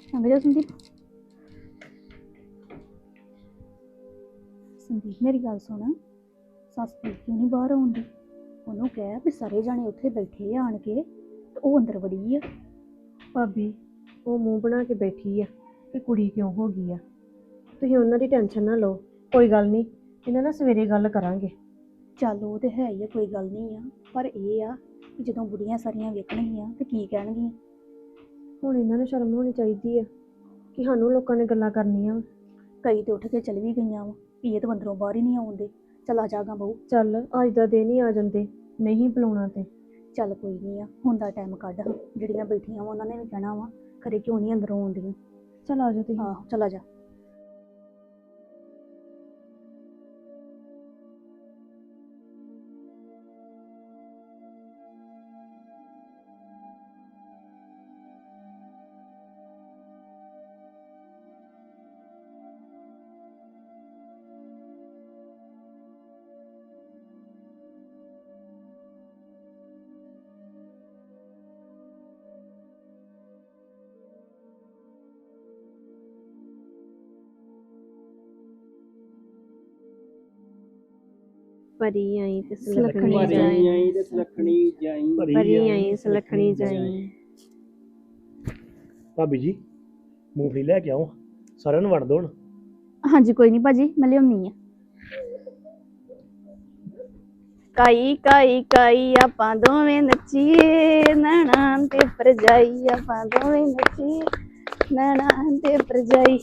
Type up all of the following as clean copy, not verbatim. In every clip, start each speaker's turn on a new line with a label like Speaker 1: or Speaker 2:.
Speaker 1: ਅੰਗ ਜਾ ਸੰਦੀਪ। ਸੰਦੀਪ ਮੇਰੀ ਗੱਲ ਸੁਣ, ਸੱਸ ਦੀ ਕਿਉਂ ਨਹੀਂ ਬਾਹਰ ਆਉਂਦੀ? ਉਹਨੂੰ ਕਹਿ ਵੀ ਸਾਰੇ ਜਾਣੇ ਉੱਥੇ ਬੈਠੇ ਆਣ ਕੇ ਤੇ ਉਹ ਅੰਦਰ ਵੜੀ ਆ।
Speaker 2: ਭਾਬੀ ਉਹ ਮੂੰਹ ਬਣਾ ਕੇ ਬੈਠੀ ਆ ਕਿ ਕੁੜੀ ਕਿਉਂ ਹੋ ਗਈ ਆ। ਤੁਸੀਂ ਉਹਨਾਂ ਦੀ ਟੈਨਸ਼ਨ ਨਾ ਲਓ, ਕੋਈ ਗੱਲ ਨਹੀਂ, ਇਹਨਾਂ ਨਾਲ ਸਵੇਰੇ ਗੱਲ ਕਰਾਂਗੇ।
Speaker 1: ਚੱਲ ਉਹ ਤੇ ਹੈ ਹੀ ਆ, ਕੋਈ ਗੱਲ ਨਹੀਂ ਆ, ਪਰ ਇਹ ਆ ਕਿ ਜਦੋਂ ਬੁੜੀਆਂ ਸਾਰੀਆਂ ਵੇਖਣਗੀਆਂ ਤੇ ਕੀ ਕਹਿਣਗੀਆਂ।
Speaker 2: ਹੁਣ ਇਹਨਾਂ ਨੂੰ ਸ਼ਰਮ ਹੋਣੀ ਚਾਹੀਦੀ ਆ ਕਿ ਸਾਨੂੰ ਲੋਕਾਂ ਨੇ ਗੱਲਾਂ ਕਰਨੀਆਂ।
Speaker 1: ਕਈ ਤੇ ਉੱਠ ਕੇ ਚਲ ਵੀ ਗਈਆਂ ਵਾ, ਵੀ ਇਹ ਤਾਂ ਅੰਦਰੋਂ ਬਾਹਰ ਹੀ ਨਹੀਂ ਆਉਂਦੇ। ਚੱਲ ਆ ਜਾਗਾ ਬਹੂ।
Speaker 2: ਚੱਲ ਅੱਜ ਦਾ ਦਿਨ ਹੀ ਆ ਜਾਂਦੇ, ਨਹੀਂ ਬੁਲਾਉਣਾ ਤੇ।
Speaker 1: ਚੱਲ ਕੋਈ ਨਹੀਂ ਆ, ਹੁਣ ਦਾ ਟਾਈਮ ਕੱਢ। ਜਿਹੜੀਆਂ ਬੈਠੀਆਂ ਵਾ ਉਹਨਾਂ ਨੇ ਵੀ ਕਹਿਣਾ ਵਾ ਖਰੇ ਕਿਉਂ ਨਹੀਂ ਅੰਦਰੋਂ ਆਉਂਦੀਆਂ।
Speaker 2: ਚੱਲ ਆ ਜਾਓ ਤੁਸੀਂ।
Speaker 1: ਆਹੋ ਚੱਲ ਆ ਜਾ।
Speaker 2: ਪਰੀ ਆਈ ਤੇ
Speaker 1: ਸੁਲੱਖਣੀ
Speaker 2: ਸੁਲੱਖਣੀ
Speaker 1: ਜਾਈ।
Speaker 2: ਜਾਈ,
Speaker 3: ਤੇ ਸੁਲੱਖਣੀ ਜਾਈ।
Speaker 2: ਪਰੀ ਆਈ ਸੁਲੱਖਣੀ ਜਾਈ।
Speaker 4: ਭਾਬੀ ਜੀ ਮੂੰਗਫਲੀ ਲੈ ਕੇ ਆਓ, ਸਾਰਿਆਂ ਨੂੰ ਵੰਡ ਦੋ ਹੁਣ।
Speaker 1: ਹਾਂਜੀ ਕੋਈ ਨਹੀਂ ਭਾਜੀ, ਮੈਂ ਲਿਆਉਣੀ ਆ। ਕਾਈ ਕਾਈ ਕਾਈ ਆਪਾਂ ਦੋਵੇਂ ਨੱਚੀਏ, ਨੈਣਾਂ ਤੇ ਭਰਜਾਈ ਆਪਾਂ ਦੋਵੇਂ ਨੱਚੀਏ, ਨੈਣਾਂ ਤੇ ਭਰਜਾਈ।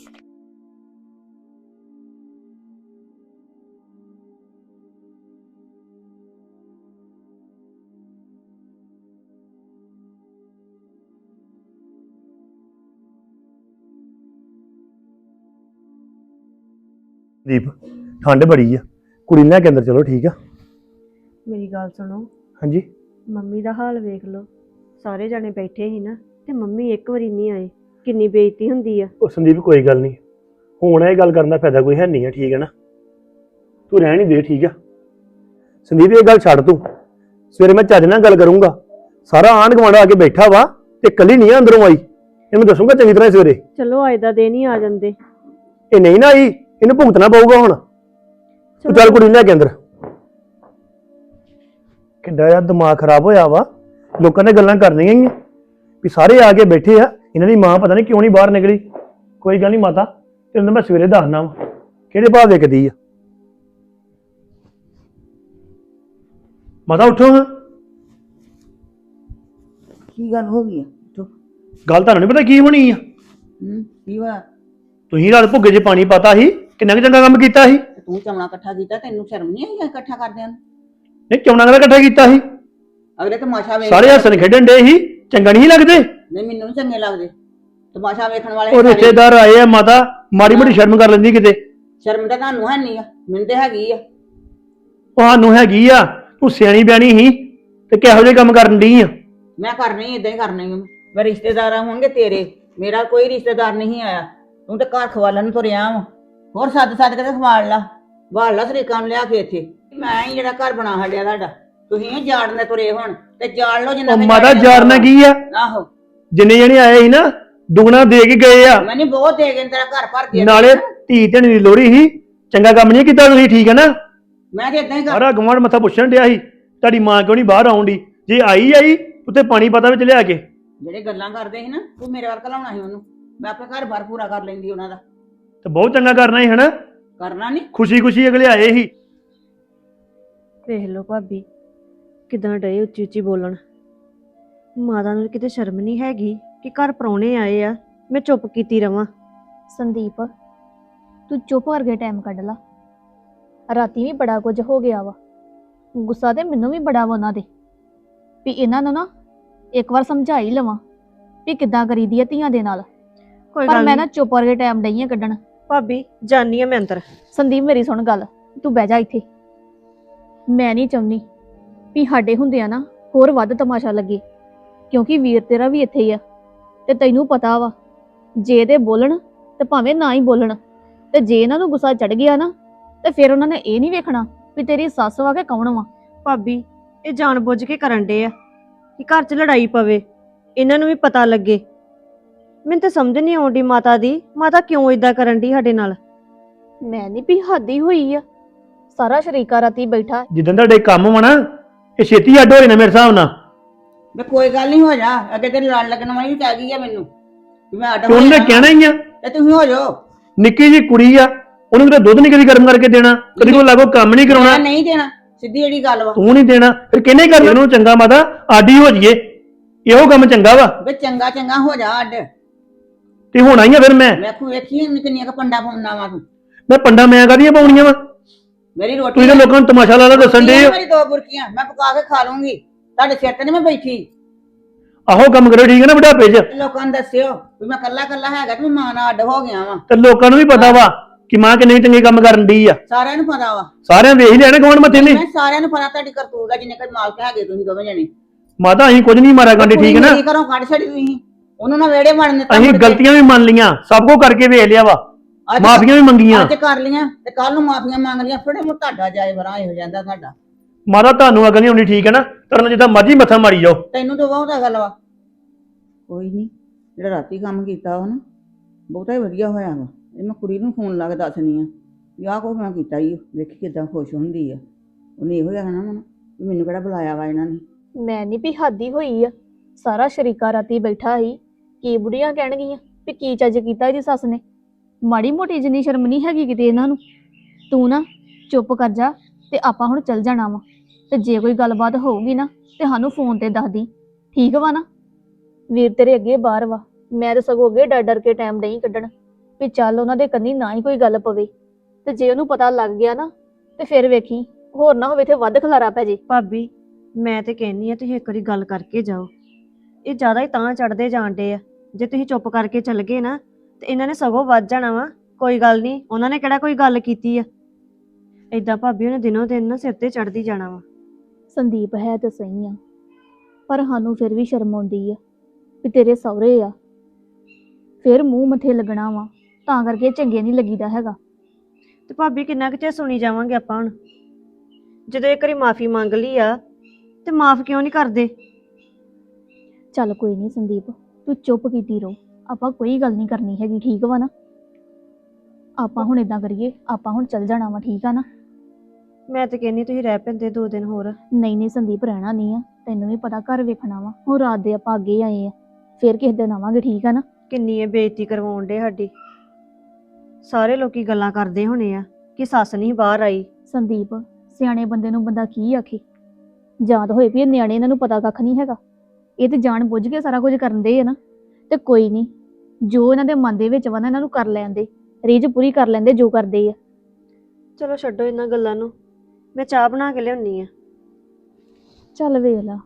Speaker 4: ਦੀਪ ਠੰਡ ਬੜੀ ਆ, ਕੁੜੀ ਨੂੰ ਲੈ ਕੇ ਅੰਦਰ ਚਲੋ, ਠੀਕ ਆ?
Speaker 2: ਮੇਰੀ ਗੱਲ ਸੁਣੋ,
Speaker 4: ਹਾਂਜੀ
Speaker 2: ਮੰਮੀ ਦਾ ਹਾਲ ਵੇਖ ਲਓ। ਸਾਰੇ ਜਾਣੇ ਬੈਠੇ ਸੀ ਨਾ ਤੇ ਮੰਮੀ ਇੱਕ ਵਾਰੀ ਨਹੀਂ ਆਏ, ਕਿੰਨੀ ਬੇਇੱਜ਼ਤੀ ਹੁੰਦੀ ਆ।
Speaker 4: ਉਹ ਸੰਦੀਪ ਕੋਈ ਗੱਲ ਨਹੀਂ, ਹੁਣ ਇਹ ਗੱਲ ਕਰਨ ਦਾ ਫਾਇਦਾ ਕੋਈ ਹੈ ਨਹੀਂ ਆ, ਠੀਕ ਹੈ ਨਾ? ਤੂੰ ਰਹਿਣ ਹੀ ਦੇ, ਠੀਕ ਆ? ਸੰਦੀਪ ਇਹ ਗੱਲ ਛੱਡ ਤੂੰ, ਸਵੇਰੇ ਮੈਂ ਚੱਜ ਨਾਲ ਗੱਲ ਕਰੂੰਗਾ। ਸਾਰਾ ਆਂਢ ਗੁਆਂਢ ਆ ਕੇ ਬੈਠਾ ਵਾ ਤੇ ਇਕੱਲੀ ਨਹੀਂ ਆ ਅੰਦਰੋਂ ਆਈ, ਇਹਨੂੰ ਦੱਸੂਗਾ ਚੰਗੀ ਤਰ੍ਹਾਂ ਸਵੇਰੇ।
Speaker 2: ਚਲੋ ਅੱਜ ਦਾ ਦਿਨ ਹੀ ਆ ਜਾਂਦੇ।
Speaker 4: ਇਹ ਨਹੀਂ ਨਾ ਆਈ, ਇਹਨੂੰ ਭੁਗਤਣਾ ਪਊਗਾ ਹੁਣ। ਤੂੰ ਚੱਲ ਕੁੜੀ ਨੂੰ ਲੈ ਕੇ ਅੰਦਰ। ਕਿੱਡਾ ਜਿਹਾ ਦਿਮਾਗ ਖਰਾਬ ਹੋਇਆ ਵਾ, ਲੋਕਾਂ ਨੇ ਗੱਲਾਂ ਕਰਨੀਆਂ ਹੀ ਆ ਵੀ ਸਾਰੇ ਆ ਕੇ ਬੈਠੇ ਆ, ਇਹਨਾਂ ਦੀ ਮਾਂ ਪਤਾ ਨਹੀਂ ਕਿਉਂ ਨਹੀਂ ਬਾਹਰ ਨਿਕਲੀ। ਕੋਈ ਗੱਲ ਨਹੀਂ ਮਾਤਾ, ਤੈਨੂੰ ਮੈਂ ਸਵੇਰੇ ਦੱਸਣਾ ਵਾ ਕਿਹੜੇ ਭਾਅ ਵਿਕਦੀ ਆ। ਮਾਤਾ ਉੱਠੋ ਹਾਂ।
Speaker 3: ਕੀ ਗੱਲ ਹੋ ਗਈ?
Speaker 4: ਗੱਲ ਤੁਹਾਨੂੰ ਨਹੀਂ ਪਤਾ ਕੀ ਹੋਣੀ ਆ?
Speaker 3: ਕੀ ਵਾ?
Speaker 4: ਤੁਸੀਂ ਰਾਤ ਭੁੱਗੇ 'ਚ ਪਾਣੀ ਪਾਤਾ ਸੀ, ਕਿੰਨਾ ਕੁ ਚੰਗਾ ਕੰਮ ਕੀਤਾ ਸੀ।
Speaker 3: ਤੂੰ ਚਮਣਾ ਇਕੱਠਾ ਕੀਤਾ, ਤੈਨੂੰ ਸ਼ਰਮ ਨਹੀਂ ਆਈ ਇਕੱਠਾ ਕਰਦਿਆਂ ਨੂੰ?
Speaker 4: ਨਹੀਂ ਚੌਣਾ ਦਾ ਇਕੱਠਾ ਕੀਤਾ ਸੀ,
Speaker 3: ਅਗਲੇ ਤਮਾਸ਼ਾ ਵੇਖ
Speaker 4: ਸਾਰੇ ਹੱਸਣ ਖੇਡਣ ਡੇ ਸੀ, ਚੰਗਾ ਨਹੀਂ ਲੱਗਦੇ?
Speaker 3: ਨਹੀਂ ਮੈਨੂੰ ਨੀ ਚੰਗੇ ਲੱਗਦੇ ਤਮਾਸ਼ਾ ਵੇਖਣ ਵਾਲੇ।
Speaker 4: ਉਹ ਰਿਸ਼ਤੇਦਾਰ ਆਏ ਆ ਮਾਤਾ, ਮਾੜੀ ਮੋਟੀ ਸ਼ਰਮ ਕਰ ਲੈਂਦੀ ਕਿਤੇ।
Speaker 3: ਸ਼ਰਮ ਤਾਂ ਤੁਹਾਨੂੰ ਹੈ ਨਹੀਂ ਆ, ਮੈਨੂੰ ਤੇ ਹੈਗੀ ਆ।
Speaker 4: ਤੁਹਾਨੂੰ ਹੈਗੀ ਆ, ਤੂੰ ਸਿਆਣੀ ਬਿਆਣੀ ਸੀ ਤੇ ਕਿਹੋ ਜਿਹੇ ਕੰਮ ਕਰਨ ਡਈ ਆ?
Speaker 3: ਮੈਂ ਕਰਨੀ ਇਦਾਂ ਹੀ ਕਰਨੀ ਆ। ਮੈਂ ਰਿਸ਼ਤੇਦਾਰ ਹੋਣਗੇ ਤੇਰੇ, ਮੇਰਾ ਕੋਈ ਰਿਸ਼ਤੇਦਾਰ ਨਹੀਂ ਆਇਆ। ਤੂੰ ਤੇ ਘਰ ਖਵਾਲਣ ਨੂੰ ਤੁਰਿਆ ਵਾ, ਹੋਰ ਸੱਦ ਸੱਦ ਕੇ ਤੇ ਖਵਾਲ ਲਾ, ਵਾਲ ਲਾ ਸਰੀਕਾਂ ਨੂੰ ਲਿਆ ਕੇ ਇੱਥੇ। ਮੈਂ ਹੀ ਜਿਹੜਾ ਘਰ ਬਣਾ ਛੱਡਿਆ ਤੁਹਾਡਾ, ਤੁਸੀਂ ਇਹ ਜਾੜਨੇ ਤੁਰੇ ਹੁਣ ਤੇ ਜਾੜ ਲਓ ਜਿੰਨਾ।
Speaker 4: ਉਹ ਮਾਤਾ ਜਾਰਨਾ ਕੀ ਆ?
Speaker 3: ਆਹੋ
Speaker 4: ਜਿੰਨੇ ਜਣੇ ਆਏ ਸੀ ਨਾ ਦੁਗਣਾ ਦੇ ਕੇ ਗਏ ਆ।
Speaker 3: ਮੈਨੂੰ ਬਹੁਤ ਦੇ ਗਏ, ਤੇਰਾ ਘਰ ਭਰ ਗਿਆ।
Speaker 4: ਨਾਲੇ ਧੀ ਧਣੀ ਦੀ ਲੋੜੀ ਸੀ, ਚੰਗਾ ਕੰਮ ਨਹੀਂ ਕੀਤਾ ਤੁਸੀਂ, ਠੀਕ ਹੈ ਨਾ?
Speaker 3: ਮੈਂ ਤੇ ਇਦਾਂ ਹੀ ਕਰ।
Speaker 4: ਸਾਰਾ ਗਵਾਂਢ ਮੱਥਾ ਪੁੱਛਣ ਡਿਆ ਸੀ ਤੁਹਾਡੀ ਮਾਂ ਕਿਉਂ ਨਹੀਂ ਬਾਹਰ ਆਉਂਦੀ। ਜੇ ਆਈ ਉੱਤੇ ਪਾਣੀ ਪਤਾ ਵਿੱਚ ਲਿਆ ਕੇ।
Speaker 3: ਜਿਹੜੇ ਗੱਲਾਂ ਕਰਦੇ ਸੀ ਨਾ, ਤੂੰ ਮੇਰੇ ਵੱਲ ਘਲਾਉਣਾ ਸੀ ਉਹਨੂੰ, ਮੈਂ ਆਪਣੇ ਘਰ ਬਾਰ ਪੂਰਾ ਕਰ ਲੈਂਦੀ ਉਹਨਾਂ ਦਾ।
Speaker 4: ਤੇ ਬਹੁਤ ਚੰਗਾ ਕਰਨਾ ਸੀ ਹਨਾ,
Speaker 3: ਕਰਨਾ ਨਹੀਂ।
Speaker 4: ਖੁਸ਼ੀ ਖੁਸ਼ੀ ਅਗਲੇ ਆਏ ਸੀ।
Speaker 2: ਵੇਖ ਲਓ ਭਾਬੀ ਕਿਦਾਂ ਡਏ ਉੱਚੀ ਉੱਚੀ ਬੋਲਣ। ਮਾਤਾ ਨੂੰ ਕਿਤੇ ਸ਼ਰਮ ਨਹੀਂ ਹੈਗੀ ਕਿ ਘਰ ਪ੍ਰਾਹੁਣੇ ਆਏ ਆ, ਮੈਂ ਚੁੱਪ ਕੀਤੀ ਰਵਾਂ।
Speaker 1: ਸੰਦੀਪ ਤੂੰ ਚੁੱਪ ਕਰਕੇ ਟਾਈਮ ਕੱਢ ਲਾ। ਰਾਤੀ ਵੀ ਬੜਾ ਕੁਝ ਹੋ ਗਿਆ ਵਾ, ਗੁੱਸਾ ਤੇ ਮੈਨੂੰ ਵੀ ਬੜਾ ਵਾ ਉਹਨਾਂ ਦੇ, ਵੀ ਇਹਨਾਂ ਨੂੰ ਨਾ ਇੱਕ ਵਾਰ ਸਮਝਾ ਹੀ ਲਵਾਂ ਵੀ ਕਿੱਦਾਂ ਕਰੀਦੀ ਆ ਧੀਆਂ ਦੇ ਨਾਲ।
Speaker 2: ਕੋਈ
Speaker 1: ਪਰ
Speaker 2: ਗੱਲ
Speaker 1: ਮੈਂ
Speaker 2: ਨਹੀਂ
Speaker 1: ਨਾ ਚੁੱਪ ਕਰਕੇ ਟਾਈਮ ਡਈ ਆ ਕੱਢਣ।
Speaker 2: ਭਾਬੀ, ਜਾਨੀ ਆ ਮੈਂ ਅੰਦਰ।
Speaker 1: ਸੰਦੀਪ ਮੇਰੀ ਸੁਣ ਗੱਲ, ਤੂੰ ਬਹਿ ਜਾ ਇੱਥੇ। ਮੈਂ ਨਹੀਂ ਚਾਹੁੰਦੀ ਵੀ ਸਾਡੇ ਹੁੰਦਿਆਂ ਨਾ ਹੋਰ ਵੱਧ ਤਮਾਸ਼ਾ ਲੱਗੇ, ਕਿਉਂਕਿ ਵੀਰ ਤੇਰਾ ਵੀ ਇੱਥੇ ਹੀ ਆ ਤੇ ਤੈਨੂੰ ਪਤਾ ਵਾ ਜੇ ਤੇ ਬੋਲਣ ਤੇ ਭਾਵੇਂ ਨਾ ਹੀ ਬੋਲਣ, ਤੇ ਜੇ ਇਹਨਾਂ ਨੂੰ ਗੁੱਸਾ ਚੜ ਗਿਆ ਨਾ ਤੇ ਫਿਰ ਉਹਨਾਂ ਨੇ ਇਹ ਨਹੀਂ ਵੇਖਣਾ ਵੀ ਤੇਰੀ ਸੱਸ ਵਾ ਕਿ ਕੌਣ ਵਾ।
Speaker 2: ਭਾਬੀ ਇਹ ਜਾਣਬੁੱਝ ਕੇ ਕਰਨ ਡੇ ਆ ਕਿ ਘਰ 'ਚ ਲੜਾਈ ਪਵੇ, ਇਹਨਾਂ ਨੂੰ ਵੀ ਪਤਾ ਲੱਗੇ। ਮੈਨੂੰ ਤਾਂ ਸਮਝ ਨਹੀਂ ਆਉਂਦੀ ਮਾਤਾ ਦੀ, ਮਾਤਾ ਕਿਉਂ ਇਦਾਂ ਕਰਨ ਦੀ ਸਾਡੇ ਨਾਲ।
Speaker 1: ਮੈਂ ਨਹੀਂ ਵੀ ਹੱਦੀ ਹੋਈ ਆ, ਸਾਰਾ ਸ਼ਰੀਕਾ ਰਾਤੀ ਬੈਠਾ।
Speaker 4: ਜਿੱਦਾਂ ਤੁਹਾਡੇ ਕੰਮ ਵਾ ਨਾ ਇਹ ਛੇਤੀ ਅੱਡ ਹੋ ਜਾਣਾ ਮੇਰੇ ਹਿਸਾਬ ਨਾਲ।
Speaker 3: ਵੇ ਕੋਈ ਗੱਲ ਨਹੀਂ, ਹੋ ਜਾ। ਅੱਗੇ ਤੇ ਲੜ ਲੱਗਣ ਵਾਲੀ ਵੀ ਕਹਿ ਗਈ ਆ ਮੈਨੂੰ ਵੀ ਮੈਂ ਆਟਾ
Speaker 4: ਤੇ ਉਹਨੇ ਕਹਿਣਾ ਹੀ ਆ,
Speaker 3: ਤੇ ਤੁਸੀਂ ਹੋ ਜਾਓ।
Speaker 4: ਨਿੱਕੀ ਜੀ ਕੁੜੀ ਆ, ਉਹਨੂੰ ਤਾਂ ਦੁੱਧ ਨਹੀਂ ਕਦੀ ਗਰਮ ਕਰਕੇ ਦੇਣਾ, ਕਦੀ ਕੋਈ ਲਾਗੋ ਕੰਮ ਨਹੀਂ ਕਰਾਉਣਾ।
Speaker 3: ਮੈਂ ਨਹੀਂ ਦੇਣਾ, ਸਿੱਧੀ ਜਿਹੜੀ ਗੱਲ ਵਾ।
Speaker 4: ਤੂੰ ਨਹੀਂ ਦੇਣਾ, ਫਿਰ ਕਿਹਨੇ ਕਰਨਾ? ਉਹਨੂੰ ਚੰਗਾ ਮਾਤਾ ਆਡੀ ਹੋ ਜਾਈਏ, ਇਹੋ ਕੰਮ ਚੰਗਾ ਵਾ।
Speaker 3: ਵੇ ਚੰਗਾ ਚੰਗਾ ਹੋ ਜਾ ਅੱਡ।
Speaker 4: ਤੇ ਹੋਣਾ ਹੀ ਆ ਫਿਰ। ਮੈਂ
Speaker 3: ਖੂ ਵੇਖੀ ਕਿੰਨੀਆਂ ਕ ਪੰਡਾ ਪਾਉਣਾ ਵਾ ਤੂੰ।
Speaker 4: ਮੈਂ ਪੰਡਾ ਮੈਂ ਕਾਹਦੀਆਂ ਪਾਉਣੀਆਂ ਵਾ?
Speaker 3: ਮੇਰੀ ਰੋਟੀ
Speaker 4: ਤੁਸੀਂ ਤਾਂ ਲੋਕਾਂ ਨੂੰ ਤਮਾਸ਼ਾ ਲਾ ਲਾ ਦੱਸਣ ਦੇ ਹੋ।
Speaker 3: ਮੇਰੀ 2 ਬੁਰਕੀਆਂ ਮੈਂ ਪਕਾ ਕੇ ਖਾ ਲੂੰਗੀ, ਤੁਹਾਡੇ ਸਿਰ ਤੇ ਨਹੀਂ ਮੈਂ ਬੈਠੀ।
Speaker 4: ਆਹੋ ਕੰਮ ਕਰੋ, ਠੀਕ ਹੈ ਨਾ ਬੁਢਾਪੇ 'ਚ।
Speaker 3: ਲੋਕਾਂ ਨੂੰ ਦੱਸਿਓ ਵੀ ਮੈਂ ਕੱਲਾ ਕੱਲਾ ਹੈਗਾ ਤੇ ਮੈਂ ਮਾਂ ਨਾਲ ਅੱਡ ਹੋ ਗਿਆ ਵਾਂ।
Speaker 4: ਤੇ ਲੋਕਾਂ ਨੂੰ ਵੀ ਪਤਾ ਵਾ ਕਿ ਮਾਂ ਕਿੰਨੇ ਚੰਗੇ ਕੰਮ ਕਰਨ ਦੀ ਆ।
Speaker 3: ਸਾਰਿਆਂ ਨੂੰ ਪਤਾ ਵਾ,
Speaker 4: ਸਾਰਿਆਂ ਵੇਖ ਹੀ ਲੈਣਾ ਕੌਣ ਮੱਥੇ ਨੇ।
Speaker 3: ਮੈਂ ਸਾਰਿਆਂ ਨੂੰ ਪਤਾ ਤੁਹਾਡੀ ਕਰਤੂਤ ਦਾ, ਜਿੰਨੇ ਕੋਈ ਮਾਲਕ ਹੈਗੇ ਤੁਸੀਂ ਦੋਵੇਂ ਜਣੇ।
Speaker 4: ਮਾਤਾ ਅਸੀਂ ਕੁਝ ਨਹੀਂ ਮਾਰਾ ਗਾਂਡੇ, ਠੀਕ ਹੈ ਨਾ?
Speaker 3: ਕੀ ਕਰੋ, ਕੱਢ ਛੜੀ ਤੁਸੀਂ ਉਹਨੂੰ ਨਾ ਵਿਹੜੇ ਵੜਨ ਦਿੱਤਾ।
Speaker 4: ਅਸੀਂ ਗਲਤੀਆਂ ਵੀ ਮੰਨ ਲੀਆਂ, ਸਭ ਕੁਝ ਕਰਕੇ ਵੇਖ ਲਿਆ ਵਾ, ਮਾਫੀਆਂ ਵੀ ਮੰਗੀਆਂ।
Speaker 3: ਅੱਜ ਕਰ ਲੀਆਂ ਤੇ ਕੱਲ ਨੂੰ ਮਾਫੀਆਂ ਮੰਗ ਲੀਆਂ, ਫੜੇ ਮੂੰਹ ਤੁਹਾਡਾ ਜਾਏ ਬਰਾ ਹੋ ਜਾਂਦਾ ਤੁਹਾਡਾ।
Speaker 4: ਮਾਤਾ ਤੁਹਾਨੂੰ ਅਗਲ ਨਹੀਂ ਹੋਣੀ, ਠੀਕ ਹੈ ਨਾ? ਕਰਨ ਜਿੱਦਾਂ ਮਰਜ਼ੀ ਮੱਥਾ ਮਾਰੀ ਜਾਓ।
Speaker 3: ਤੈਨੂੰ ਤਾਂ ਬਹੁਤਾ ਗੱਲ ਵਾ। ਕੋਈ ਨਹੀਂ, ਜਿਹੜਾ ਰਾਤੀ ਕੰਮ ਕੀਤਾ ਵਾ ਨਾ ਬਹੁਤਾ ਹੀ ਵਧੀਆ ਹੋਇਆ ਵਾ। ਇਹ ਮੈਂ ਕੁੜੀ ਨੂੰ ਫੋਨ ਲਾ ਕੇ ਦੱਸਣੀ ਆ ਵੀ ਆਹ ਕੁਛ ਮੈਂ ਕੀਤਾ ਹੀ, ਵੇਖੀ ਕਿਦਾਂ ਖੁਸ਼ ਹੁੰਦੀ ਆ। ਉਹਨੇ ਇਹੋ ਕਹਿਣਾ ਵਾ ਨਾ ਵੀ ਮੈਨੂੰ ਕਿਹੜਾ ਬੁਲਾਇਆ ਵਾ ਇਹਨਾਂ ਨੇ।
Speaker 1: ਮੈਂ ਨਹੀਂ ਵੀ ਹੱਦੀ ਹੋਈ ਆ, ਸਾਰਾ ਸ਼ਰੀਕਾ ਰਾਤੀ ਬੈਠਾ ਸੀ। ਕੀ ਬੁੜੀਆਂ ਕਹਿਣਗੀਆਂ ਵੀ ਕੀ ਚੱਜ ਕੀਤਾ ਇਹਦੀ ਸੱਸ ਨੇ? ਮਾੜੀ ਮੋਟੀ ਜਿੰਨੀ ਸ਼ਰਮ ਨਹੀਂ ਹੈਗੀ ਕਿਤੇ ਇਹਨਾਂ ਨੂੰ। ਤੂੰ ਨਾ ਚੁੱਪ ਕਰ ਜਾ ਤੇ ਆਪਾਂ ਹੁਣ ਚੱਲ ਜਾਣਾ ਵਾ, ਤੇ ਜੇ ਕੋਈ ਗੱਲਬਾਤ ਹੋਊਗੀ ਨਾ ਤੇ ਸਾਨੂੰ ਫੋਨ ਤੇ ਦੱਸ ਦੀ, ਠੀਕ ਵਾ ਨਾ? ਵੀਰ ਤੇਰੇ ਅੱਗੇ ਬਾਹਰ ਵਾ, ਮੈਂ ਤਾਂ ਸਗੋਂ ਅੱਗੇ ਡਰ ਡਰ ਕੇ ਟਾਈਮ ਨਹੀਂ ਕੱਢਣ ਵੀ ਚੱਲ ਉਹਨਾਂ ਦੇ ਕੰਨੀ ਨਾ ਹੀ ਕੋਈ ਗੱਲ ਪਵੇ, ਤੇ ਜੇ ਉਹਨੂੰ ਪਤਾ ਲੱਗ ਗਿਆ ਨਾ ਤੇ ਫਿਰ ਵੇਖੀ ਹੋਰ ਨਾ ਹੋਵੇ ਇੱਥੇ ਵੱਧ ਖਲਾਰਾ ਪੈ ਜੇ।
Speaker 2: ਭਾਬੀ ਮੈਂ ਤੇ ਕਹਿੰਨੀ ਆ ਤੁਸੀਂ ਇੱਕ ਵਾਰੀ ਗੱਲ ਕਰਕੇ ਜਾਓ। ਇਹ ਜ਼ਿਆਦਾ ਹੀ ਤਾਂ ਚੜਦੇ ਜਾਂਦੇ ਆ, ਜੇ ਤੁਸੀਂ ਚੁੱਪ ਕਰਕੇ ਚੱਲ ਗਏ ਨਾ ਤੇ ਇਹਨਾਂ ਨੇ ਸਗੋਂ ਵੱਧ ਜਾਣਾ ਵਾ। ਕੋਈ ਗੱਲ ਨਹੀਂ, ਉਹਨਾਂ ਨੇ ਕਿਹੜਾ ਕੋਈ ਗੱਲ ਕੀਤੀ ਆ। ਏਦਾਂ ਭਾਬੀ ਉਹਨੇ ਦਿਨੋਂ ਦਿਨ ਨਾ ਸਿਰ ਤੇ ਚੜਦੀ ਜਾਣਾ ਵਾ।
Speaker 1: ਸੰਦੀਪ ਹੈ ਤਾਂ ਸਹੀ ਆ, ਪਰ ਸਾਨੂੰ ਫਿਰ ਵੀ ਸ਼ਰਮ ਆਉਂਦੀ ਆ ਵੀ ਤੇਰੇ ਸਹੁਰੇ ਆ, ਫਿਰ ਮੂੰਹ ਮੱਥੇ ਲੱਗਣਾ ਵਾ, ਤਾਂ ਕਰਕੇ ਚੰਗੇ ਨਹੀਂ ਲੱਗੀਦਾ ਹੈਗਾ।
Speaker 2: ਤੇ ਭਾਬੀ ਕਿੰਨਾ ਕੁ ਚਿਰ ਸੁਣੀ ਜਾਵਾਂਗੇ ਆਪਾਂ ਹੁਣ? ਜਦੋਂ ਇੱਕ ਵਾਰੀ ਮਾਫੀ ਮੰਗ ਲਈ ਆ ਤੇ ਮਾਫ ਕਿਉਂ ਨਹੀਂ ਕਰਦੇ?
Speaker 1: ਚੱਲ ਕੋਈ ਨਹੀਂ ਸੰਦੀਪ, ਤੂੰ ਚੁੱਪ ਕੀਤੀ ਰਹੋ, ਆਪਾਂ ਕੋਈ ਗੱਲ ਨਹੀਂ ਕਰਨੀ ਹੈਗੀ, ਠੀਕ ਵਾ ਨਾ? ਆਪਾਂ ਹੁਣ ਇਦਾਂ ਕਰੀਏ, ਆਪਾਂ ਹੁਣ ਚੱਲ ਜਾਣਾ ਵਾ, ਠੀਕ ਆ ਨਾ?
Speaker 2: ਮੈਂ ਤੇ ਕਹਿੰਨੀ ਤੁਸੀਂ ਰਹਿ ਪੈਂਦੇ 2 ਦਿਨ ਹੋਰ।
Speaker 1: ਨਹੀਂ ਨਹੀਂ ਸੰਦੀਪ, ਰਹਿਣਾ ਨਹੀਂ ਆ, ਤੈਨੂੰ ਵੀ ਪਤਾ ਘਰ ਵੇਖਣਾ ਵਾ। ਹੁਣ ਰਾਤ ਦੇ ਆਪਾਂ ਅੱਗੇ ਆਏ ਆ, ਫਿਰ ਕਿਸੇ ਦਿਨ ਆਵਾਂਗੇ, ਠੀਕ ਆ ਨਾ?
Speaker 2: ਕਿੰਨੀ ਇਹ ਬੇਇੱਜ਼ਤੀ ਕਰਵਾਉਣ ਡੇ ਸਾਡੀ। ਸਾਰੇ ਲੋਕੀ ਗੱਲਾਂ ਕਰਦੇ ਹੋਣੇ ਆ ਕਿ ਸੱਸ ਨਹੀਂ ਬਾਹਰ ਆਈ।
Speaker 1: ਸੰਦੀਪ, ਸਿਆਣੇ ਬੰਦੇ ਨੂੰ ਬੰਦਾ ਕੀ ਆਖੇ? ਯਾਦ ਹੋਏ ਵੀ ਇਹ ਨਿਆਣੇ, ਇਹਨਾਂ ਨੂੰ ਪਤਾ ਕੱਖ ਨਹੀਂ ਹੈਗਾ, ਇਹ ਤੇ ਜਾਣ ਬੁੱਝ ਕੇ ਸਾਰਾ ਕੁਝ ਕਰਨ ਦੇ ਆ ਨਾ। ਤੇ ਕੋਈ ਨਹੀਂ, ਜੋ ਇਹਨਾਂ ਦੇ ਮਨ ਦੇ ਵਿੱਚ ਵਾ ਨਾ ਇਹਨਾਂ ਨੂੰ ਕਰ ਲੈਂਦੇ, ਰੀਝ ਪੂਰੀ ਕਰ ਲੈਂਦੇ ਜੋ ਕਰਦੇ ਆ।
Speaker 2: ਚਲੋ ਛੱਡੋ ਇਹਨਾਂ ਗੱਲਾਂ ਨੂੰ, ਮੈਂ ਚਾਹ ਬਣਾ ਕੇ ਲਿਆਉਣੀ ਆ।
Speaker 1: ਚੱਲ ਵੇਖ ਲਾ।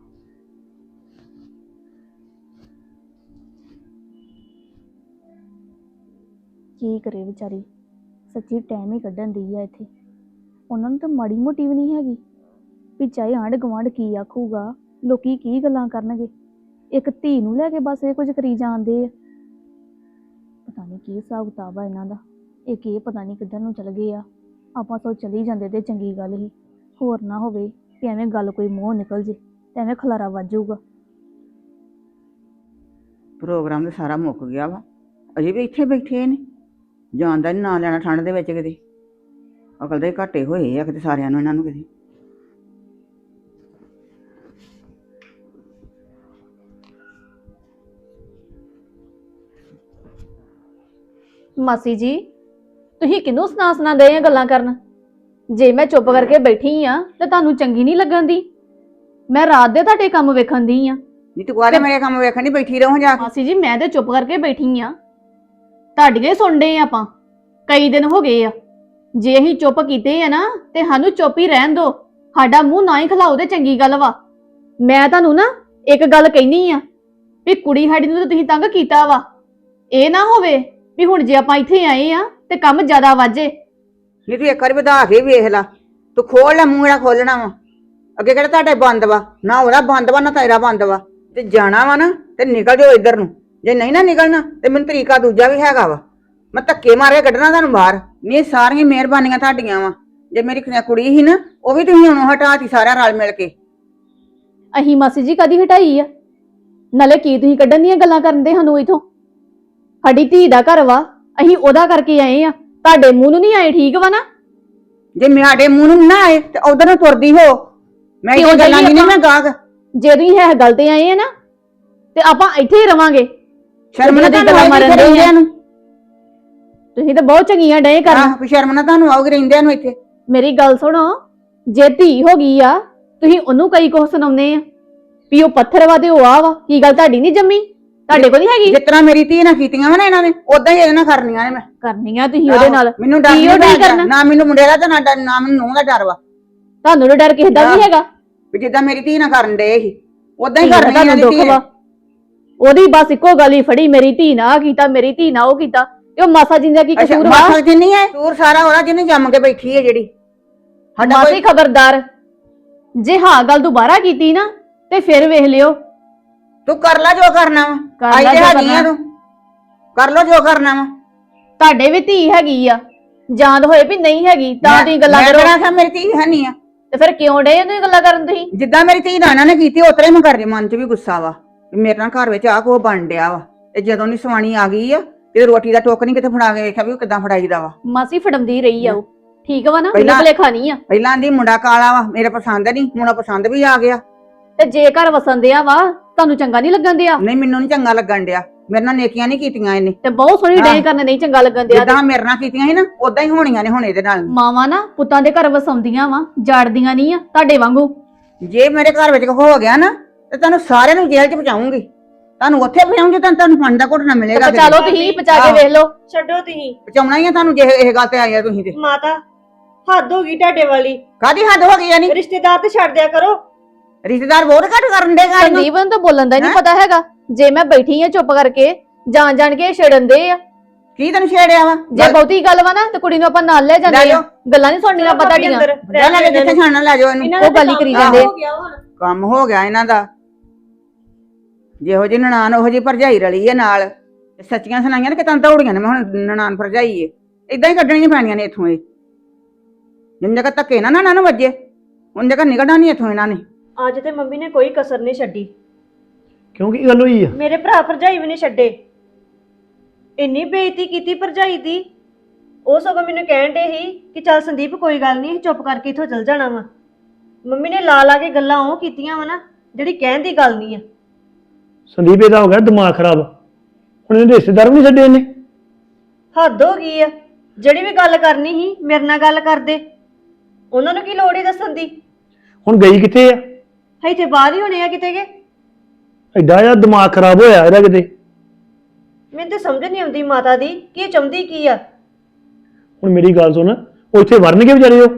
Speaker 1: ਕੀ ਕਰੇ ਵਿਚਾਰੀ, ਸੱਚੀ ਟਾਈਮ ਹੀ ਕੱਢਣ ਦੀ ਆ ਇੱਥੇ। ਉਹਨਾਂ ਨੂੰ ਤਾਂ ਮਾੜੀ ਮੋਟੀ ਵੀ ਨਹੀਂ ਹੈਗੀ ਵੀ ਚਾਹੇ ਆਂਢ ਗੁਆਂਢ ਕੀ ਆਖੂਗਾ, ਲੋਕੀ ਕੀ ਗੱਲਾਂ ਕਰਨਗੇ। ਇੱਕ ਧੀ ਨੂੰ ਲੈ ਕੇ ਬਸ ਇਹ ਕੁਝ ਕਰੀ ਜਾਂਦੇ ਆ। ਪਤਾ ਨਹੀਂ ਕੀ ਹਿਸਾਬ ਕਿਤਾਬ ਆ ਇਹਨਾਂ ਦਾ। ਇੱਕ ਇਹ ਪਤਾ ਨਹੀਂ ਕਿੱਧਰ ਨੂੰ ਚਲ ਗਏ ਆ। ਆਪਾਂ ਸੋ ਚਲੀ ਜਾਂਦੇ ਤੇ ਚੰਗੀ ਗੱਲ ਹੀ, ਹੋਰ ਨਾ ਹੋਵੇ ਕਿ ਐਵੇਂ ਗੱਲ ਕੋਈ ਮੂੰਹ ਨਿਕਲ ਜੇ ਤੇ ਐਵੇਂ ਖਲਾਰਾ ਵੱਜ ਜਾਊਗਾ।
Speaker 3: ਪ੍ਰੋਗਰਾਮ ਤਾਂ ਸਾਰਾ ਮੁੱਕ ਗਿਆ ਵਾ, ਅਜੇ ਵੀ ਇੱਥੇ ਬੈਠੇ ਨੇ। ਜਾਣ ਦਾ ਨੀ ਨਾਂ ਲੈਣਾ ਠੰਡ ਦੇ ਵਿੱਚ ਕਿਤੇ। ਅਕਲ ਦੇ ਘਾਟੇ ਹੋਏ ਆ ਕਿਤੇ ਸਾਰਿਆਂ ਨੂੰ ਇਹਨਾਂ ਨੂੰ ਕਿਤੇ।
Speaker 1: ਮਾਸੀ ਜੀ, ਤੁਸੀਂ ਕਿਹਨੂੰ ਸੁਣਾ ਦੇ ਆ ਗੱਲਾਂ ਕਰਨ? ਜੇ ਮੈਂ ਚੁੱਪ ਕਰਕੇ ਬੈਠੀ ਆ ਤੇ ਤੁਹਾਨੂੰ ਚੰਗੀ ਨਹੀਂ ਲੱਗਣ ਦੀ? ਮੈਂ ਰਾਤ ਦੇ ਤੁਹਾਡੇ ਕੰਮ ਵੇਖਣ ਦੀ ਆ।
Speaker 3: ਨਹੀਂ ਤੂੰ ਕਾਹਦੇ ਮੇਰੇ ਕੰਮ ਵੇਖਣ ਨਹੀਂ ਬੈਠੀ ਰਹੋ ਜਾ ਕੇ।
Speaker 1: ਮਾਸੀ ਜੀ, ਮੈਂ ਤੇ ਚੁੱਪ ਕਰਕੇ ਬੈਠੀ ਆ, ਤੁਹਾਡੀਆਂ ਸੁਣਦੇ ਆ ਆਪਾਂ, ਕਈ ਦਿਨ ਹੋ ਗਏ ਆ। ਜੇ ਅਸੀਂ ਚੁੱਪ ਕੀਤੇ ਆ ਨਾ ਤੇ ਸਾਨੂੰ ਚੁੱਪ ਹੀ ਰਹਿਣ ਦਿਓ, ਸਾਡਾ ਮੂੰਹ ਨਾ ਹੀ ਖਲਾਓ ਤੇ ਚੰਗੀ ਗੱਲ ਵਾ। ਮੈਂ ਤੁਹਾਨੂੰ ਨਾ ਇੱਕ ਗੱਲ ਕਹਿਨੀ ਆ ਵੀ ਕੁੜੀ ਸਾਡੀ ਨੂੰ ਤਾਂ ਤੁਸੀਂ ਤੰਗ ਕੀਤਾ ਵਾ। ਇਹ ਨਾ ਹੋਵੇ ਵੀ ਹੁਣ ਜੇ ਆਪਾਂ ਇੱਥੇ ਆਏ ਆ ਤੇ ਕੰਮ ਜ਼ਿਆਦਾ ਵਾਜੇ।
Speaker 3: ਨਹੀਂ ਤੂੰ ਇੱਕ ਵਾਰੀ ਵਧਾ ਕੇ ਵੇਖ ਲਾ, ਤੂੰ ਖੋਲ ਲੈ ਮੂੰਹ ਜਿਹੜਾ ਖੋਲਣਾ ਵਾ। ਅੱਗੇ ਕਿਹੜਾ ਤੁਹਾਡੇ ਬੰਦ ਵਾ, ਨਾ ਉਹਦਾ ਬੰਦ ਵਾ ਨਾ ਤੇਰਾ ਬੰਦ ਵਾ। ਤੇ ਜਾਣਾ ਵਾ ਨਾ ਤੇ ਨਿਕਲ ਜਾਓ ਇੱਧਰ ਨੂੰ, ਜੇ ਨਹੀਂ ਨਾ ਨਿਕਲਣਾ ਤੇ ਮੈਨੂੰ ਤਰੀਕਾ ਦੂਜਾ ਵੀ ਹੈਗਾ ਵਾ, ਮੈਂ ਧੱਕੇ ਮਾਰੇ ਕੱਢਣਾ ਤੁਹਾਨੂੰ ਬਾਹਰ। ਨਹੀਂ ਸਾਰੀਆਂ ਮਿਹਰਬਾਨੀਆਂ ਤੁਹਾਡੀਆਂ ਵਾ। ਜੇ ਮੇਰੀ ਕੁੜੀ ਸੀ ਨਾ ਉਹ ਵੀ ਤੁਸੀਂ ਹੁਣ ਹਟਾਤੀ ਸਾਰਿਆਂ ਰਲ ਮਿਲ ਕੇ।
Speaker 1: ਅਹੀਂ ਮਾਸੀ ਜੀ ਕਦੀ ਹਟਾਈ ਆ? ਨਾਲੇ ਕੀ ਤੁਸੀਂ ਕੱਢਣ ਦੀਆਂ ਗੱਲਾਂ ਕਰਨ ਦੇ ਸਾਨੂੰ ਇਥੋਂ? ਸਾਡੀ ਧੀ ਦਾ ਘਰ ਵਾ, ਅਸੀਂ ਉਹਦਾ ਕਰਕੇ ਆਏ ਆ, ਤੁਹਾਡੇ ਮੂੰਹ ਨੂੰ ਨਹੀਂ ਆਏ, ਠੀਕ ਵਾ ਨਾ?
Speaker 3: ਜੇ ਮੇਰੇ ਮੂੰਹ ਨੂੰ ਨਾ ਆਏ ਤੇ ਉਧਰ ਨੂੰ ਤੁਰਦੀ ਹੋ। ਮੈਂ
Speaker 1: ਕਿਉਂ
Speaker 3: ਇਹ ਗੱਲਾਂ
Speaker 1: ਜਾਈਏ
Speaker 3: ਨਹੀਂ ਮੈਂ
Speaker 1: ਆਪਾਂ?
Speaker 3: ਗਾਗ
Speaker 1: ਜੇ ਤੁਸੀਂ ਇਹ ਗੱਲ ਤੇ ਆਏ ਆ ਨਾ, ਤੇ ਆਪਾਂ ਇੱਥੇ ਹੀ ਰਵਾਂਗੇ।
Speaker 3: ਸ਼ਰਮ ਨਾ
Speaker 1: ਦੀ
Speaker 3: ਤੁਹਾਨੂੰ
Speaker 1: ਗੱਲਾਂ
Speaker 3: ਆਉਗੀ
Speaker 1: ਮਾਰਨ ਦੇ
Speaker 3: ਰਹਿੰਦਿਆਂ ਨੂੰ।
Speaker 1: ਤੁਸੀਂ ਤਾਂ ਬਹੁਤ ਚੰਗੀਆਂ ਡਏ ਕਰਨ।
Speaker 3: ਆਹ ਸ਼ਰਮ ਨਾ ਤੁਹਾਨੂੰ ਆਉਗੀ ਰਹਿੰਦਿਆਂ ਨੂੰ ਇੱਥੇ।
Speaker 1: ਮੇਰੀ ਗੱਲ ਸੁਣੋ, ਜੇ ਧੀ ਹੋ ਗਈ ਆ, ਤੁਸੀਂ ਉਹਨੂੰ ਕਈ ਕੁਝ ਸੁਣਾਉਂਦੇ ਆ ਵੀ ਉਹ ਪੱਥਰ ਵਾ ਤੇ ਉਹ ਆ ਵਾ। ਕੀ ਗੱਲ ਤੁਹਾਡੀ ਨਹੀਂ ਜੰਮੀ? ਤੁਹਾਡੇ ਕੋਲ ਨਹੀਂ ਹੈਗੀ?
Speaker 3: ਜਿਸ ਤਰ੍ਹਾਂ ਮੇਰੀ ਧੀ ਨਾਲ ਕੀਤੀਆਂ ਵਾ ਨਾ ਇਹਨਾਂ ਨੇ, ਉਦਾਂ ਹੀ ਇਹਦੇ ਨਾਲ ਕਰਨੀਆਂ ਨੇ ਮੈਂ।
Speaker 1: ਕਰਨੀਆਂ ਤੁਸੀਂ ਉਹਦੇ ਨਾਲ।
Speaker 3: ਮੈਨੂੰ ਡਰ
Speaker 1: ਕੀ ਉਹ
Speaker 3: ਨਹੀਂ
Speaker 1: ਨਹੀਂ ਕਰਨਾ?
Speaker 3: ਨਾ ਮੈਨੂੰ ਮੁੰਡੇ ਦਾ ਤੇ ਨਾ ਮੈਨੂੰ ਨੂੰਹ ਦਾ ਡਰ ਵਾ।
Speaker 1: ਤੁਹਾਨੂੰ ਤਾਂ ਡਰ ਕਿਸੇ ਦਾ ਨਹੀਂ ਹੈਗਾ।
Speaker 3: ਵੀ ਜਿੱਦਾਂ ਮੇਰੀ ਧੀ ਨਾਲ ਕਰਨ ਦੇ ਸੀ ਉਦਾਂ ਹੀ
Speaker 1: ਧੀ ਦਾ
Speaker 3: ਕਰਨੀਆਂ
Speaker 1: ਤੁਹਾਨੂੰ
Speaker 3: ਨੇ
Speaker 1: ਦੁੱਖ ਵਾ। ਉਹਦੀ ਬਸ ਇੱਕੋ ਗੱਲ ਹੀ ਫੜੀ, ਮੇਰੀ ਧੀ ਨਾ ਆਹ ਕੀਤਾ, ਮੇਰੀ ਧੀ ਨਾ ਉਹ ਕੀਤਾ। ਤੇ ਉਹ ਮਾਸਾ ਜਿੰਦਾ ਕੀ
Speaker 3: ਅੱਛਾ
Speaker 1: ਕਸੂਰ ਵਾ?
Speaker 3: ਮਾਸਾ ਜਿੰਨੀ ਹੈ ਕਸੂਰ ਸਾਰਾ ਉਹਦਾ ਜਿਹਨੇ ਜੰਮ ਕੇ ਬੈਠੀ ਹੈ ਜਿਹੜੀ। ਸਾਡਾ
Speaker 1: ਮਾਸੀ
Speaker 3: ਕੋਈ
Speaker 1: ਖਬਰਦਾਰ, ਜੇ ਹਾਂ ਗੱਲ ਦੁਬਾਰਾ ਕੀਤੀ ਨਾ ਤੇ ਫਿਰ ਵੇਖ ਲਿਓ।
Speaker 3: ਤੂੰ ਕਰ ਲੈ ਜੋ ਕਰਨਾ ਵਾ।
Speaker 1: ਕਰ
Speaker 3: ਆਈ
Speaker 1: ਲੈ
Speaker 3: ਤੇ
Speaker 1: ਜੋ
Speaker 3: ਹੈਗੀ ਆ
Speaker 1: ਕਰਨਾ।
Speaker 3: ਤੂੰ, ਕਰ ਲੋ ਜੋ ਕਰਨਾ ਵਾ।
Speaker 1: ਤੁਹਾਡੇ ਵੀ ਧੀ ਹੈਗੀ ਆ, ਜਾਂਦ ਹੋਏ ਵੀ ਨਹੀਂ ਹੈਗੀ ਤਾਂ ਤੁਸੀਂ ਗੱਲਾਂ
Speaker 3: ਮੈਂ
Speaker 1: ਕਰੋ।
Speaker 3: ਕਿਹੜਾ ਕਿਹਾ ਮੇਰੀ ਧੀ ਹੈ ਨਹੀਂ ਆ।
Speaker 1: ਤੇ ਫਿਰ ਕਿਉਂ ਡੇ ਉਹਨੂੰ ਗੱਲਾਂ ਕਰਨ ਤੁਸੀਂ?
Speaker 3: ਜਿੱਦਾਂ ਮੇਰੀ ਧੀ ਨਾਲ ਇਹਨਾਂ ਨੇ ਕੀਤੀ ਉਤਰੇ ਮੈਂ ਕਰ ਰਹੀ, ਮਨ 'ਚ ਵੀ ਗੁੱਸਾ ਵਾ ਵੀ ਮੇਰੇ ਨਾਲ ਘਰ ਵਿੱਚ ਆ ਕੋ ਬਣ ਡਿਆ ਵਾ। ਤੇ ਜਦੋਂ ਦੀ ਸਵਾਣੀ ਆ ਗਈ ਆ ਤੇ ਰੋਟੀ ਦਾ ਟੋਕ ਨਹੀਂ ਕਿਤੇ ਫੜਾ ਕੇ ਵੇਖਿਆ ਵੀ ਉਹ ਕਿੱਦਾਂ ਫੜਾਈਦਾ ਵਾ।
Speaker 1: ਮਾਸੀ ਫੜਮਦੀ ਰਹੀ ਆ ਉਹ, ਠੀਕ ਵਾ ਨਾ?
Speaker 3: ਪਹਿਲਾਂ-
Speaker 1: ਨਿਕਲੇ ਖਾਣੀ ਆ।
Speaker 3: ਪਹਿਲਾਂ ਦੀ ਮੁੰਡਾ ਕਾਲਾ ਵਾ, ਮੇਰੇ ਪਸੰਦ ਨਹੀਂ, ਹੁਣ ਪਸੰਦ ਵੀ ਆ ਗਿਆ।
Speaker 1: ਤੇ ਜੇ ਘਰ ਵਸਣ ਦਿਆ ਵਾ, ਤੁਹਾਨੂੰ ਚੰਗਾ ਨਹੀਂ ਲੱਗਣ ਦਿਆ?
Speaker 3: ਨਹੀਂ ਮੈਨੂੰ ਨਹੀਂ ਚੰਗਾ ਲੱਗਣ ਡਿਆ। ਮੇਰੇ ਨਾਲ ਨੇਕੀਆਂ ਨਹੀਂ ਕੀਤੀਆਂ ਇਹਨੇ।
Speaker 1: ਤੇ ਬਹੁਤ ਸੋਹਣੀ ਡੇ ਕਰਨ ਨਹੀਂ ਚੰਗਾ ਲੱਗਣ ਦਿਆ।
Speaker 3: ਜਿੱਦਾਂ ਮੇਰੇ ਨਾਲ ਕੀਤੀਆਂ ਸੀ ਨਾ ਉਦਾਂ ਹੀ ਹੋਣੀਆਂ ਨੇ ਹੁਣ ਇਹਦੇ ਨਾਲ।
Speaker 1: ਮਾਵਾਂ ਨਾ ਪੁੱਤਾਂ ਦੇ ਘਰ ਵਸਾਉਂਦੀਆਂ ਵਾ, ਜਾੜਦੀਆਂ ਨਹੀਂ ਆ ਤੁਹਾਡੇ ਵਾਂਗੂ।
Speaker 3: ਜੇ ਮੇਰੇ ਘਰ ਵਿੱਚ ਹੋ ਗਿਆ ਨਾ ਤੇ ਤੁਹਾਨੂੰ ਸਾਰਿਆਂ ਨੂੰ ਜੇਲ੍ਹ 'ਚ ਪਹੁੰਚਾਉਂਗੀ। ਤੁਹਾਨੂੰ ਉੱਥੇ ਪਹੁੰਚਾਉਂਗੀ ਤਾਂ ਤੁਹਾਨੂੰ ਫੰਡ ਦਾ ਘੁੱਟ ਨਾ ਮਿਲੇਗਾ।
Speaker 1: ਪਚਾ ਲਓ ਤੁਸੀਂ, ਪਚਾ ਕੇ ਵੇਖ ਲਓ।
Speaker 2: ਛੱਡੋ ਤੁਸੀਂ।
Speaker 3: ਪਹੁੰਚਾਉਣਾ ਹੀ ਆ ਤੁਹਾਨੂੰ ਜੇ ਇਹ ਗੱਲ ਤੇ ਆਏ ਆ ਤੁਸੀਂ ਤੇ।
Speaker 2: ਮਾਤਾ ਹੱਦ ਹੋ ਗਈ ਤੁਹਾਡੇ ਵਾਲੀ।
Speaker 3: ਕਾਦੀ ਹੱਦ ਹੋ ਗਈ ਆ? ਨਹੀਂ
Speaker 2: ਰਿਸ਼ਤੇਦਾਰ ਤੇ ਛੱਡ ਦਿਆ ਕਰੋ।
Speaker 3: ਰਿਸ਼ਤੇਦਾਰ ਬਹੁਤ ਘੱਟ ਕਰਨ ਦੇ ਗੱਲ ਨੂੰ।
Speaker 1: ਸੰਦੀਪ ਨੂੰ ਤਾਂ ਬੋਲਣ ਦਾ ਨਹੀਂ
Speaker 3: ਹੈਂ?
Speaker 1: ਪਤਾ ਹੈਗਾ। ਜੇ ਮੈਂ ਬੈਠੀ ਆ ਚੁੱਪ ਕਰਕੇ, ਜਾਣ ਜਾਣ ਕੇ ਛੇੜਨ ਦੇ ਆ।
Speaker 3: ਕੀ ਤੈਨੂੰ ਛੇੜਿਆ ਵਾ?
Speaker 1: ਜੇ ਬਹੁਤੀ ਗੱਲ ਵਾ ਨਾ ਤੇ ਕੁੜੀ ਨੂੰ ਆਪਾਂ ਨਾਲ ਲੈ ਜਾਂਦੇ
Speaker 3: ਲੈ
Speaker 1: ਆ।
Speaker 3: ਜਾਓ।
Speaker 1: ਗੱਲਾਂ ਨਹੀਂ ਸੁਣਨੀਆਂ ਪਤਾ ਡੀਆਂ।
Speaker 3: ਲੈ ਲੈ ਜਿੱਥੇ ਛਾਣਨਾ ਲੈ ਜਾਓ ਇਹਨੂੰ।
Speaker 2: ਇਹਨਾਂ
Speaker 1: ਉਹ
Speaker 2: ਦਾ
Speaker 1: ਗੱਲ ਹੀ
Speaker 2: ਕੰਮ
Speaker 1: ਕਰੀ ਜਾਂਦੇ।
Speaker 2: ਹੋ ਗਿਆ ਹੁਣ।
Speaker 3: ਕੰਮ ਹੋ ਗਿਆ ਇਹਨਾਂ ਦਾ। ਜਿਹੋ ਜਿਹੀ ਨਨਾਣ ਉਹੋ ਜਿਹੀ ਭਰਜਾਈ ਰਲੀ ਹੈ ਨਾਲ। ਸੱਚੀਆਂ ਸੁਣਾਈਆਂ ਨੇ ਕਿ ਤਾਂ ਦੌੜੀਆਂ ਨੇ ਮੈਂ ਹੁਣ ਨਨਾਣ ਭਰਜਾਈ ਏ। ਇਦਾਂ ਹੀ ਕੱਢਣੀਆਂ ਪੈਣੀਆਂ ਨੇ ਇੱਥੋਂ ਇਹ। ਜਿੰਨੇ ਕ ਧੱਕੇ ਨਾ ਇਹਨਾਂ ਨੂੰ ਵੱਜੇ ਉਹਨੇ ਕ ਨਿਕਲਣਾ ਨਹੀਂ ਇੱਥੋਂ ਇਹਨਾਂ ਨੇ।
Speaker 2: ਅੱਜ ਤੇ ਮੰਮੀ ਨੇ ਕੋਈ ਕਸਰ ਨਹੀਂ ਛੱਡੀ।
Speaker 4: ਕਿਉਂ ਕੀ ਗੱਲ ਹੋਈ ਆ?
Speaker 2: ਮੇਰੇ ਭਰਾ ਭਰਜਾਈ ਵੀ ਨਹੀਂ ਛੱਡੇ। ਇੰਨੀ ਬੇਇੱਜ਼ਤੀ ਕੀਤੀ ਭਰਜਾਈ ਦੀ। ਉਹ ਸਗੋਂ ਮੈਨੂੰ ਕਹਿਣ ਡੇ ਸੀ ਕਿ ਚੱਲ ਸੰਦੀਪ ਕੋਈ ਗੱਲ ਨਹੀਂ, ਚੁੱਪ ਕਰਕੇ ਇੱਥੋਂ ਚਲ ਜਾਣਾ ਵਾ। ਮੰਮੀ ਨੇ ਲਾ ਲਾ ਕੇ ਗੱਲਾਂ ਉਹ ਕੀਤੀਆਂ ਵਾ ਨਾ ਜਿਹੜੀ ਕਹਿਣ ਦੀ ਗੱਲ ਨਹੀਂ ਆ।
Speaker 4: ਸੰਦੀਪ ਇਹਦਾ ਹੋ ਗਿਆ ਦਿਮਾਗ ਖਰਾਬ। ਹੁਣ ਇਹਦੇ ਰਿਸ਼ਤੇਦਾਰ ਵੀ ਨਹੀਂ ਛੱਡੇ ਇਹਨੇ।
Speaker 2: ਹੱਦ ਹੋ ਗਈ ਆ। ਜਿਹੜੀ ਵੀ ਗੱਲ ਕਰਨੀ ਸੀ ਮੇਰੇ ਨਾਲ ਗੱਲ ਕਰਦੇ। ਉਹਨਾਂ ਨੂੰ ਕੀ ਲੋੜ ਹੀ ਦੱਸਣ ਦੀ?
Speaker 4: ਹੁਣ ਗਈ ਕਿੱਥੇ ਆ?
Speaker 2: ਇੱਥੇ ਬਾਹਰ ਹੀ ਹੋਣੇ ਆ ਕਿਤੇ ਕੇ।
Speaker 4: ਐਡਾ ਜਿਹਾ ਦਿਮਾਗ ਖਰਾਬ ਹੋਇਆ ਇਹਦਾ ਕਿਤੇ।
Speaker 2: ਮੈਨੂੰ ਤਾਂ ਸਮਝ ਨਹੀਂ ਆਉਂਦੀ ਮਾਤਾ ਦੀ ਕਿ ਇਹ ਚਾਹੁੰਦੀ ਕੀ ਆ।
Speaker 4: ਹੁਣ ਮੇਰੀ ਗੱਲ ਸੁਣ, ਉਹ ਇੱਥੇ ਵਰਨਗੇ ਵਿਚਾਰੇ ਉਹ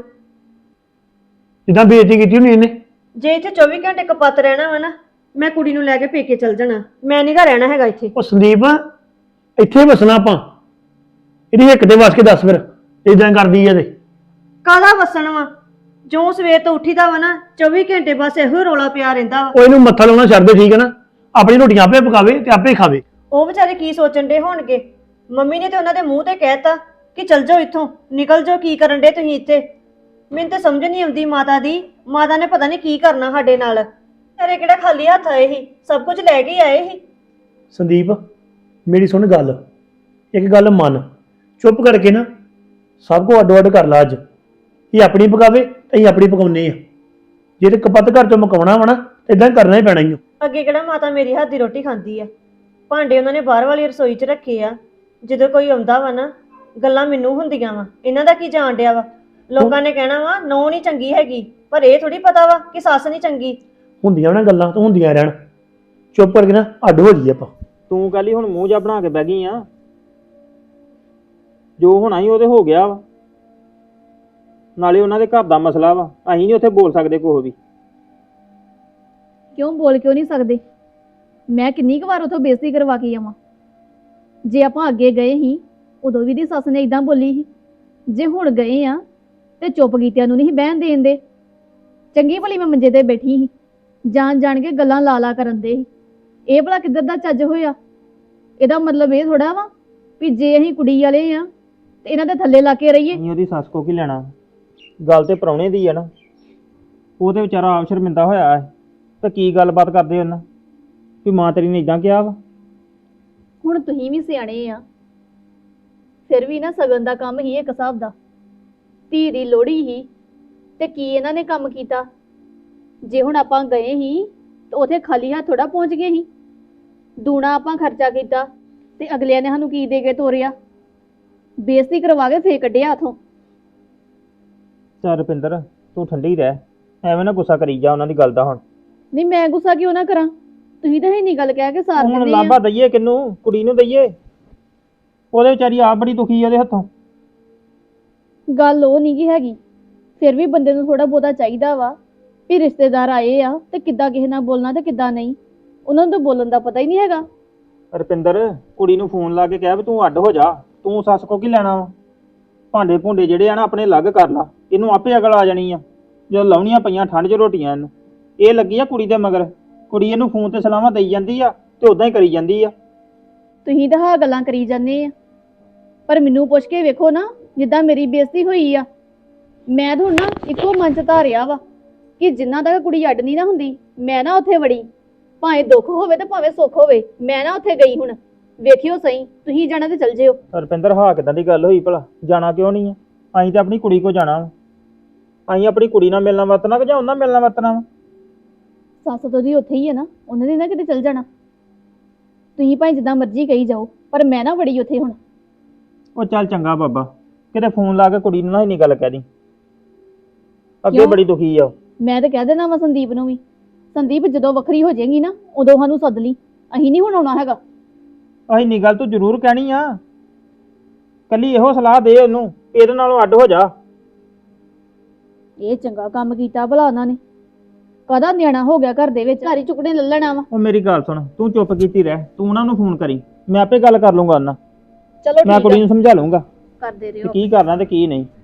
Speaker 4: ਜਿੱਦਾਂ ਬੇਇੱਜ਼ਤੀ ਕੀਤੀ ਹੋਣੀ ਇਹਨੇ।
Speaker 2: ਜੇ ਇੱਥੇ 24 ਘੰਟੇ ਕਪੱਤ ਰਹਿਣਾ ਵਾ ਨਾ, ਮੈਂ ਕੁੜੀ ਨੂੰ ਲੈ ਕੇ ਪੇਕੇ ਚਲ ਜਾਣਾ। ਮੈਂ ਨਹੀਂ ਘਰ ਰਹਿਣਾ ਹੈਗਾ ਇੱਥੇ।
Speaker 4: ਉਹ ਸੰਦੀਪ ਇੱਥੇ ਵਸਣਾ ਆਪਾਂ। ਇਹਦੀ ਹਿੱਕ ਤੇ ਵਸ ਕੇ ਦੱਸ ਫਿਰ ਇਦਾਂ ਕਰਦੀ ਆ ਤੇ।
Speaker 2: ਕਾਹਦਾ ਵਸਣ ਵਾ? ਜੋ ਸਵੇਰ ਤੋਂ ਉੱਠੀਦਾ ਵਾ ਨਾ 24 ਘੰਟੇ ਬਸ ਇਹੋ ਰੌਲਾ ਪਿਆ ਰਹਿੰਦਾ ਵਾ।
Speaker 4: ਉਹ ਇਹਨੂੰ ਮੱਥਾ ਲਾਉਣਾ ਛੱਡ ਦੇ, ਠੀਕ ਹੈ ਨਾ? ਆਪਣੀ ਰੋਟੀਆਂ ਆਪੇ ਪਕਾਵੇ ਤੇ ਆਪੇ ਖਾਵੇ।
Speaker 2: ਉਹ ਵਿਚਾਰੇ ਕੀ ਸੋਚਣ ਦੇ ਹੋਣਗੇ? ਮੰਮੀ ਨੇ ਤੇ ਉਹਨਾਂ ਦੇ ਮੂੰਹ ਤੇ ਕਹਿਤਾ ਕਿ ਚਲ ਜਾਓ ਇੱਥੋਂ, ਨਿਕਲ ਜਾਓ, ਕੀ ਕਰਨ ਦੇ ਤੁਸੀਂ ਇੱਥੇ? ਮੈਨੂੰ ਤਾਂ ਸਮਝ ਨਹੀਂ ਆਉਂਦੀ ਮਾਤਾ ਦੀ। ਮਾਤਾ ਨੇ ਪਤਾ ਨਹੀਂ ਕੀ ਕਰਨਾ ਸਾਡੇ ਨਾਲ। ਤੇਰੇ ਕਿਹੜਾ ਖਾਲੀ ਹੱਥ ਆਏ ਸੀ? ਸਭ ਕੁਝ ਲੈ ਕੇ ਆਏ ਸੀ।
Speaker 4: ਸੰਦੀਪ ਮੇਰੀ ਸੁਣ ਗੱਲ, ਇੱਕ ਗੱਲ ਮੰਨ, ਚੁੱਪ ਕਰਕੇ ਨਾ ਸਭ ਕੋ ਅੱਡੋ ਅੱਡ ਕਰ ਲਾ। ਅੱਜ ਇਹ ਆਪਣੀ ਪਕਾਵੇ ਤੇ ਅਸੀਂ ਆਪਣੀ ਪਕਾਉਨੇ ਆ। ਜੇ ਤੇ ਕਪੱਤ ਘਰ ਚੋਂ ਮਕਾਉਣਾ ਵਾ ਨਾ ਇਦਾਂ ਕਰਨਾ ਹੀ ਪੈਣਾ ਹੀ।
Speaker 2: ਅੱਗੇ ਕਿਹੜਾ ਮਾਤਾ ਮੇਰੀ ਹੱਥ ਦੀ ਰੋਟੀ ਖਾਂਦੀ ਆ? ਭਾਂਡੇ ਉਹਨਾਂ ਨੇ ਬਾਹਰ ਵਾਲੀ ਰਸੋਈ 'ਚ ਰੱਖੇ ਆ। ਜਦੋਂ ਕੋਈ ਆਉਂਦਾ ਵਾ ਨਾ ਗੱਲਾਂ ਮੈਨੂੰ ਹੁੰਦੀਆਂ ਵਾ। ਇਹਨਾਂ ਦਾ ਕੀ ਜਾਣ ਡਿਆ ਵਾ? ਲੋਕਾਂ ਨੇ ਕਹਿਣਾ ਵਾ ਨੌ ਨਹੀਂ ਚੰਗੀ ਹੈਗੀ, ਪਰ ਇਹ ਥੋੜੀ ਪਤਾ ਵਾ ਕਿ ਸੱਸ ਨਹੀਂ ਚੰਗੀ।
Speaker 4: ਹੁੰਦੀਆਂ ਨਾ ਗੱਲਾਂ ਤਾਂ ਹੁੰਦੀਆਂ ਰਹਿਣ। ਚੁੱਪ ਕਰਕੇ ਨਾ ਅੱਡ ਹੋ ਜਾਈਏ ਆਪਾਂ।
Speaker 5: ਤੂੰ ਕੱਲ ਹੀ ਹੁਣ ਮੂੰਹ ਜਾ ਬਣਾ ਕੇ ਬਹਿ ਗਈ ਆ। ਜੋ ਹੋਣਾ ਹੀ ਉਹਦੇ ਹੋ ਗਿਆ ਵਾ। ਨਾਲੇ ਉਹਨਾਂ ਦੇ ਘਰ ਦਾ ਮਸਲਾ ਵਾ, ਅਸੀਂ ਨਹੀਂ ਉੱਥੇ ਬੋਲ ਸਕਦੇ ਕੁਛ ਵੀ।
Speaker 1: ਕਿਉਂ ਬੋਲ ਕਿਉਂ ਨਹੀਂ ਸਕਦੇ? ਮੈਂ ਕਿੰਨੀ ਕੁ ਵਾਰ ਉਥੋਂ ਬੇਇੱਜ਼ਤੀ ਕਰਵਾ ਕੇ ਆਵਾਂ। ਜੇ ਆਪਾਂ ਅੱਗੇ ਗਏ ਸੀ ਉਦੋਂ ਵੀ ਦੀ ਸੱਸ ਨੇ ਇਦਾਂ ਬੋਲੀ ਸੀ। ਜੇ ਹੁਣ ਗਏ ਆ ਤੇ ਚੁੱਪ ਕੀਤਿਆਂ ਨੂੰ ਨਹੀਂ ਬਹਿਣ ਦੇਣ ਦੇ। ਚੰਗੀ ਭਲੀ ਮੈਂ ਮੰਜੇ ਤੇ ਬੈਠੀ ਸੀ, ਜਾਣ ਜਾਣ ਕੇ ਗੱਲਾਂ ਲਾ ਲਾ ਕਰਨ ਦੇ ਸੀ। ਇਹ ਭਲਾ ਕਿੱਧਰ ਦਾ ਚੱਜ ਹੋਇਆ? ਇਹਦਾ ਮਤਲਬ ਇਹ ਥੋੜਾ ਵਾ ਵੀ ਜੇ ਅਸੀਂ ਕੁੜੀ ਵਾਲੇ ਆ ਤੇ ਇਹਨਾਂ ਦੇ ਥੱਲੇ ਲਾ ਕੇ ਰਹੀਏ।
Speaker 5: ਅਸੀਂ ਉਹਦੀ ਸੱਸ ਕੋ ਕੀ ਲੈਣਾ? ਗੱਲ ਤੇ ਪ੍ਰਾਹੁਣੇ ਦੀ ਆ ਨਾ। ਉਹ ਤੇ ਵਿਚਾਰਾ ਆਪ ਸ਼ਰਮਿੰਦਾ ਹੋਇਆ ਹੈ। ਤਾਂ ਕੀ ਗੱਲਬਾਤ ਕਰਦੇ ਉਹਨਾਂ ਵੀ ਮਾਂ ਤੇਰੀ ਨੇ ਇਦਾਂ ਕਿਹਾ ਵਾ?
Speaker 1: ਹੁਣ ਤੁਸੀਂ ਵੀ ਸਿਆਣੇ ਆ, ਫਿਰ ਵੀ ਨਾ ਸਗਨ ਦਾ ਕੰਮ ਹੀ ਇੱਕ ਹਿਸਾਬ ਦਾ। ਧੀ ਦੀ ਲੋਹੜੀ ਹੀ ਤੇ ਕੀ ਇਹਨਾਂ ਨੇ ਕੰਮ ਕੀਤਾ। ਜੇ ਹੁਣ ਆਪਾਂ ਗਏ ਹੀ ਤੇ ਉਥੇ ਖਾਲੀ ਹੱਥ ਥੋੜਾ ਪਹੁੰਚ ਗਏ ਹੀ। ਦੂਣਾ ਆਪਾਂ ਖਰਚਾ ਕੀਤਾ ਤੇ ਅਗਲਿਆਂ ਨੇ ਸਾਨੂੰ ਕੀ ਦੇ ਕੇ ਤੋਰਿਆ, ਬੇਇੱਜ਼ਤੀ ਕਰਵਾ ਕੇ ਫੇਰ ਕੱਢਿਆ ਹੱਥੋਂ।
Speaker 5: ਚੱਲ ਰੁਪਿੰਦਰ ਤੂੰ ਠੰਡੀ ਰਹਿ, ਐਵੇਂ ਨਾ ਗੁੱਸਾ ਕਰੀ ਜਾ ਉਹਨਾਂ ਦੀ ਗੱਲ ਦਾ ਹੁਣ।
Speaker 1: ਨਹੀਂ ਮੈਂ ਗੁੱਸਾ ਕਿਉਂ ਨਾ ਕਰਾਂ, ਤੁਸੀਂ ਤਾਂ ਇੰਨੀ ਗੱਲ ਕਹਿ ਕੇ ਸਾਰ
Speaker 5: ਹੁਣ
Speaker 1: ਦਿੰਦੇ
Speaker 5: ਲਾਭਾ
Speaker 1: ਆ।
Speaker 5: ਦਈਏ ਕਿਹਨੂੰ, ਕੁੜੀ ਨੂੰ ਦਈਏ? ਉਹਦੇ ਵਿਚਾਰੀ ਆਪ ਬੜੀ ਦੁਖੀ ਆ ਉਹਦੇ ਹੱਥੋਂ।
Speaker 1: ਗੱਲ ਉਹ ਨਹੀਂ ਗੀ ਹੈਗੀ, ਫਿਰ ਵੀ ਬੰਦੇ ਨੂੰ ਥੋੜਾ ਬਹੁਤਾ ਚਾਹੀਦਾ ਵਾ ਵੀ ਰਿਸ਼ਤੇਦਾਰ ਆਏ ਆ ਤੇ ਕਿੱਦਾਂ ਕਿਸੇ ਨਾਲ ਬੋਲਣਾ ਤੇ ਕਿੱਦਾਂ ਨਹੀਂ। ਉਹਨਾਂ ਨੂੰ ਤਾਂ ਬੋਲਣ ਦਾ ਪਤਾ ਹੀ ਨਹੀਂ ਹੈਗਾ।
Speaker 5: ਰੁਪਿੰਦਰ ਕੁੜੀ ਨੂੰ ਫੋਨ ਲਾ ਕੇ ਕਹਿ ਵੀ ਤੂੰ ਅੱਡ ਹੋ ਜਾ, ਤੂੰ ਸੱਸ ਕੋ ਕੀ ਲੈਣਾ ਵਾ? ਭਾਂਡੇ ਭੁੰਡੇ ਜਿਹੜੇ ਆ ਨਾ ਆਪਣੇ ਅਲੱਗ ਕਰ ਲਾ, ਇਹਨੂੰ ਆਪੇ ਅਕਲ ਆ ਜਾਣੀ ਆ। ਜਦੋਂ ਲਾਉਣੀਆਂ ਪਈਆਂ ਠੰਡ 'ਚ ਰੋਟੀਆਂ ਇਹਨੂੰ, ਇਹ ਲੱਗੀ ਆ ਕੁੜੀ ਦੇ ਮਗਰ। ਕੁੜੀ ਇਹਨੂੰ ਫੋਨ ਤੇ ਸਲਾਹਾਂ ਦੇਈ ਜਾਂਦੀ ਆ ਤੇ ਉਦਾਂ ਹੀ ਕਰੀ ਜਾਂਦੀ ਆ।
Speaker 1: ਤੁਸੀਂ ਤਾਂ ਹਾਂ ਗੱਲਾਂ ਕਰੀ ਜਾਂਦੇ ਆ, ਪਰ ਮੈਨੂੰ ਪੁੱਛ ਕੇ ਵੇਖੋ ਨਾ, ਜਿੱਦਾਂ ਮੇਰੀ ਬੇਇੱਜ਼ਤੀ ਹੋਈ ਆ। ਮੈਂ ਤਾਂ ਹੁਣ ਨਾ ਇੱਕੋ ਮਨ ਚ ਧਾਰਿਆ ਵਾ ਕਿ ਜਿੰਨਾ ਤੱਕ ਕੁੜੀ ਅੱਡ ਨਹੀਂ ਨਾ ਹੁੰਦੀ, ਮੈਂ ਨਾ ਉੱਥੇ ਵੜੀ। ਭਾਵੇਂ ਦੁੱਖ ਹੋਵੇ ਤੇ ਭਾਵੇਂ ਸੁੱਖ ਹੋਵੇ, ਮੈਂ ਨਾ ਉੱਥੇ ਗਈ। ਹੁਣ ਵੇਖਿਓ ਸਹੀ, ਤੁਸੀਂ ਜਾਣਾ ਤੇ ਚਲ ਜਿਓ।
Speaker 5: ਰੁਪਿੰਦਰ ਹਾਂ ਕਿਦਾਂ ਦੀ ਗੱਲ ਹੋਈ ਭਲਾ? ਜਾਣਾ ਕਿਉਂ ਨਹੀਂ ਆ? ਅਸੀਂ ਤੇ ਆਪਣੀ ਕੁੜੀ ਕੋ ਜਾਣਾ ਵਾ। ਅਸੀਂ ਆਪਣੀ ਕੁੜੀ ਨਾਲ ਮਿਲਣਾ ਵਰਤਣਾ ਕਿ ਜਾਂ ਉਹਨਾਂ ਮਿਲਣਾ ਵਰਤਣਾ ਵਾ?
Speaker 1: ਸੱਸ ਤੋਂ ਦੀ ਉੱਥੇ ਹੀ ਹੈ ਨਾ, ਉਹਨਾਂ ਨੇ ਨਾ ਕਿਤੇ ਚਲ ਜਾਣਾ। ਤੁਸੀਂ ਭਾਵੇਂ ਜਿੱਦਾਂ ਮਰਜ਼ੀ ਕਹੀ ਜਾਓ, ਪਰ ਮੈਂ ਨਾ ਵੜੀ ਉੱਥੇ ਹੁਣ।
Speaker 5: ਉਹ ਚੱਲ ਚੰਗਾ ਬਾਬਾ, ਕਿਤੇ ਫੋਨ ਲਾ ਕੇ ਕੁੜੀ ਨੂੰ ਨਾ ਇੰਨੀ ਗੱਲ ਕਹਿ ਦੀ। ਅੱਗੇ
Speaker 1: ਕਿਉਂ?
Speaker 5: ਬੜੀ ਦੁਖੀ ਆ ਉਹ।
Speaker 1: ਮੈਂ ਤਾਂ ਕਹਿ ਦੇਣਾ ਵਾ ਸੰਦੀਪ ਨੂੰ ਵੀ, ਸੰਦੀਪ ਜਦੋਂ ਵੱਖਰੀ ਹੋ ਜਾਏਗੀ ਨਾ ਉਦੋਂ ਸਾਨੂੰ ਸੱਦ ਲਈ, ਅਸੀਂ ਨਹੀਂ ਹੁਣ ਆਉਣਾ ਹੈਗਾ।
Speaker 5: ਅਸੀਂ ਇੰਨੀ ਗੱਲ ਤੂੰ ਜ਼ਰੂਰ ਕਹਿਣੀ ਆ, ਕੱਲੀ ਇਹੋ ਸਲਾਹ ਦੇ ਉਹਨੂੰ, ਇਹਦੇ ਨਾਲੋਂ ਅੱਡ ਹੋ ਜਾ।
Speaker 1: ਇਹ ਚੰਗਾ ਕੰਮ ਕੀਤਾ ਭਲਾ ਉਹਨਾਂ ਨੇ, ਕਦਾ ਨਿਆਣਾ ਹੋ ਗਿਆ ਘਰ ਦੇ ਵਿੱਚ, ਘਰ ਹੀ ਚੁੱਕਣੇ ਲੈ ਲੈਣਾ ਵਾ।
Speaker 5: ਉਹ ਮੇਰੀ ਗੱਲ ਸੁਣ, ਤੂੰ ਚੁੱਪ ਕੀਤੀ ਰਹਿ, ਤੂੰ ਉਹਨਾਂ ਨੂੰ ਫੋਨ ਕਰੀ, ਮੈਂ ਆਪੇ ਗੱਲ ਕਰ ਲੂੰਗਾ ਉਹਨਾਂ।
Speaker 1: ਚਲੋ
Speaker 5: ਮੈਂ
Speaker 1: ਠੀਕ
Speaker 5: ਕੁੜੀ
Speaker 1: ਆ,
Speaker 5: ਨੂੰ ਸਮਝਾ ਲੂੰਗਾ
Speaker 1: ਕਰਦੇ
Speaker 5: ਕਿ
Speaker 1: ਰਹੋ।
Speaker 5: ਕੀ ਕਰਨਾ ਤੇ ਕੀ ਨਹੀਂ।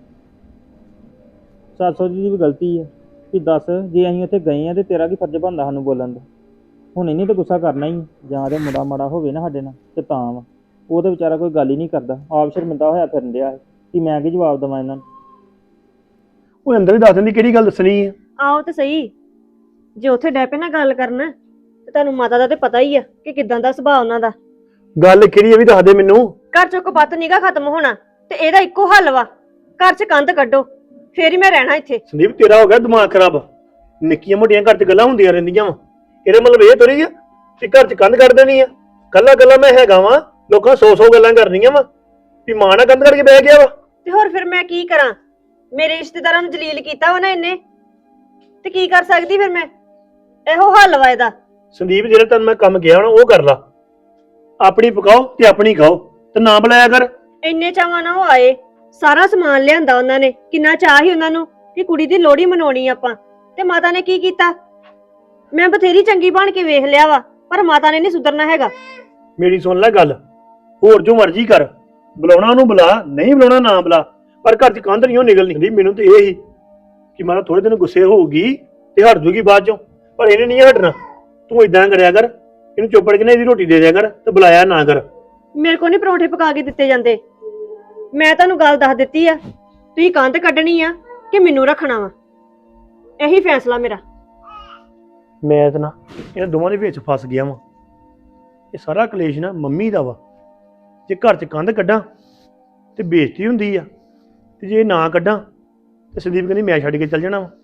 Speaker 5: ਸੱਸ ਦੀ ਵੀ ਗਲਤੀ ਹੈ ਕਿ ਦੱਸ, ਜੇ ਅਸੀਂ ਉੱਥੇ ਗਏ ਆ ਤੇ ਤੇਰਾ ਕੀ ਫਰਜ਼ ਬਣਦਾ ਸਾਨੂੰ ਬੋਲਣ ਦਾ? ਹੁਣ ਇਹਨੇ ਤਾਂ ਗੁੱਸਾ ਕਰਨਾ ਹੀ, ਜਾਂ ਤੇ ਮੁੰਡਾ ਮਾੜਾ ਹੋਵੇ ਨਾ ਸਾਡੇ ਨਾਲ ਤੇ ਤਾਂ ਵਾ। ਉਹ ਤੇ ਵਿਚਾਰਾ ਕੋਈ ਗੱਲ ਹੀ ਨਹੀਂ ਕਰਦਾ, ਆਪ ਸ਼ਰਮਿੰਦਾ ਹੋਇਆ ਫਿਰਨ ਡਿਆ ਕਿ ਮੈਂ ਕੀ ਜਵਾਬ ਦੇਵਾਂ ਇਹਨਾਂ ਨੂੰ।
Speaker 4: ਉਹ ਅੰਦਰ ਹੀ ਦੱਸ ਦਿੰਦੀ ਕਿਹੜੀ ਗੱਲ ਦੱਸਣੀ ਆ।
Speaker 2: ਆਓ ਤੇ ਸਹੀ, ਜੇ ਉੱਥੇ ਡੈ ਪਏ ਨਾ ਗੱਲ ਕਰਨ ਤੇ ਤੁਹਾਨੂੰ ਮਾਤਾ ਦਾ ਤੇ ਪਤਾ ਹੀ ਆ ਕਿ ਕਿਦਾਂ ਦਾ ਸੁਭਾਅ ਉਹਨਾਂ ਦਾ।
Speaker 4: ਗੱਲ ਕਿਹੜੀ ਇਹ ਵੀ ਦੱਸ ਦੇ ਮੈਨੂੰ।
Speaker 2: ਘਰ ਚੋਂ ਕਪੱਤ ਨੀਗਾ ਖਤਮ ਹੋਣਾ ਤੇ ਇਹਦਾ ਇੱਕੋ ਹੱਲ ਵਾ, ਘਰ 'ਚ ਕੰਧ ਕੱਢੋ, ਫੇਰ ਹੀ ਮੈਂ ਰਹਿਣਾ ਇੱਥੇ।
Speaker 4: ਸੰਦੀਪ ਤੇਰਾ ਹੋ ਗਿਆ ਦਿਮਾਗ ਖਰਾਬ, ਨਿੱਕੀਆਂ ਮੋਟੀਆਂ ਘਰ 'ਚ ਗੱਲਾਂ ਹੁੰਦੀਆਂ ਰਹਿੰਦੀਆਂ ਵਾ। ਇਹਦੇ ਮਤਲਬ ਇਹ ਥੋੜੀ ਆ ਕਿ ਘਰ 'ਚ ਕੰਧ ਕੱਢ ਦੇਣੀ ਆ। ਕੱਲਾ ਕੱਲਾ ਮੈਂ ਹੈਗਾ ਵਾਂ, ਲੋਕਾਂ 100 ਗੱਲਾਂ ਕਰਨੀਆਂ ਵਾ ਵੀ ਮਾਂ ਨਾਲ ਕੰਧ ਕਰਕੇ ਬਹਿ ਗਿਆ ਵਾ।
Speaker 2: ਤੇ ਹੋਰ ਫਿਰ ਮੈਂ ਕੀ ਕਰਾਂ? ਮੇਰੇ ਰਿਸ਼ਤੇਦਾਰਾਂ ਨੂੰ ਜਲੀਲ ਕੀਤਾ ਵਾ ਨਾ ਇਹਨੇ, ਤੇ ਕੀ ਕਰ ਸਕਦੀ ਫਿਰ ਮੈਂ? ਇਹੋ ਹੱਲ ਵਾ ਇਹਦਾ।
Speaker 4: ਸੰਦੀਪ ਜਿਹੜਾ ਤੈਨੂੰ ਮੈਂ ਕੰਮ ਕਿਹਾ ਹੋਣਾ ਉਹ ਕਰ ਲਾ, ਆਪਣੀ ਪਕਾਓ ਤੇ ਆਪਣੀ ਖਾਓ ਤੇ ਨਾ ਬੁਲਾਇਆ ਕਰ।
Speaker 2: ਇੰਨੇ ਚਾਵਾਂ ਨਾਲ ਉਹ ਆਏ, ਸਾਰਾ ਸਮਾਨ ਲਿਆਂਦਾ ਉਹਨਾਂ ਨੇ, ਕਿੰਨਾ ਚਾਹ ਸੀ ਉਹਨਾਂ ਨੂੰ ਕਿ ਕੁੜੀ ਦੀ ਲੋਹੜੀ ਮਨਾਉਣੀ ਆਪਾਂ, ਤੇ ਮਾਤਾ ਨੇ ਕੀ ਕੀਤਾ? ਮੈਂ ਬਥੇਰੀ ਚੰਗੀ ਬਣ ਕੇ ਵੇਖ ਲਿਆ ਵਾ, ਪਰ ਮਾਤਾ ਨੇ ਨਹੀਂ ਸੁਧਰਨਾ ਹੈਗਾ।
Speaker 4: ਮੇਰੀ ਸੁਣ ਲੈ ਗੱਲ, ਹੋਰ ਜੋ ਮਰਜ਼ੀ ਕਰ, ਬੁਲਾਉਣਾ ਉਹਨੂੰ ਬੁਲਾ, ਨਹੀਂ ਬੁਲਾਉਣਾ ਨਾ ਬੁਲਾ, ਪਰ ਘਰ 'ਚ ਕੰਧ ਨਹੀਂ ਉਹ ਨਿਕਲ ਨਿਕਲੀ। ਮੈਨੂੰ ਤੇ ਇਹ ਹੀ ਕਿ ਮਾਰਾ ਥੋੜੇ ਦਿਨ ਗੁੱਸੇ ਹੋਊਗੀ ਤੇ ਹਟ ਜੂਗੀ ਬਾਅਦ ਚੋਂ, ਪਰ ਇਹਨੇ ਨਹੀਂ ਹਟਣਾ। ਤੂੰ ਇਦਾਂ ਕਰਿਆ ਕਰ, ਇਹਨੂੰ ਚੁੱਪੜ ਕੇ ਨਾ ਇਹਦੀ ਰੋਟੀ ਦੇ ਦਿਆ ਕਰ ਤੇ ਬੁਲਾਇਆ ਨਾ ਕਰ।
Speaker 2: ਮੇਰੇ ਕੋਲ ਨਹੀਂ ਪਰੌਂਠੇ ਪਕਾ ਕੇ ਦਿੱਤੇ ਜਾਂਦੇ। ਮੈਂ ਤੁਹਾਨੂੰ ਗੱਲ ਦੱਸ ਦਿੱਤੀ ਆ, ਤੁਸੀਂ ਕੰਧ ਕੱਢਣੀ ਆ ਕਿ ਮੈਨੂੰ ਰੱਖਣਾ ਵਾ, ਇਹੀ ਫੈਸਲਾ ਮੇਰਾ।
Speaker 4: ਮੈਂ ਤਾਂ ਨਾ ਇਹਨਾਂ ਦੋਵਾਂ ਦੇ ਵਿੱਚ ਫਸ ਗਿਆ ਵਾਂ। ਇਹ ਸਾਰਾ ਕਲੇਸ਼ ਨਾ ਮੰਮੀ ਦਾ ਵਾ। ਜੇ ਘਰ 'ਚ ਕੰਧ ਕੱਢਾਂ ਤੇ ਬੇਇੱਜ਼ਤੀ ਹੁੰਦੀ ਆ, ਤੇ ਜੇ ਨਾ ਕੱਢਾਂ ਤੇ ਸੰਦੀਪ ਕਹਿੰਦੀ ਮੈਂ ਛੱਡ ਕੇ ਚੱਲ ਜਾਣਾ ਵਾ।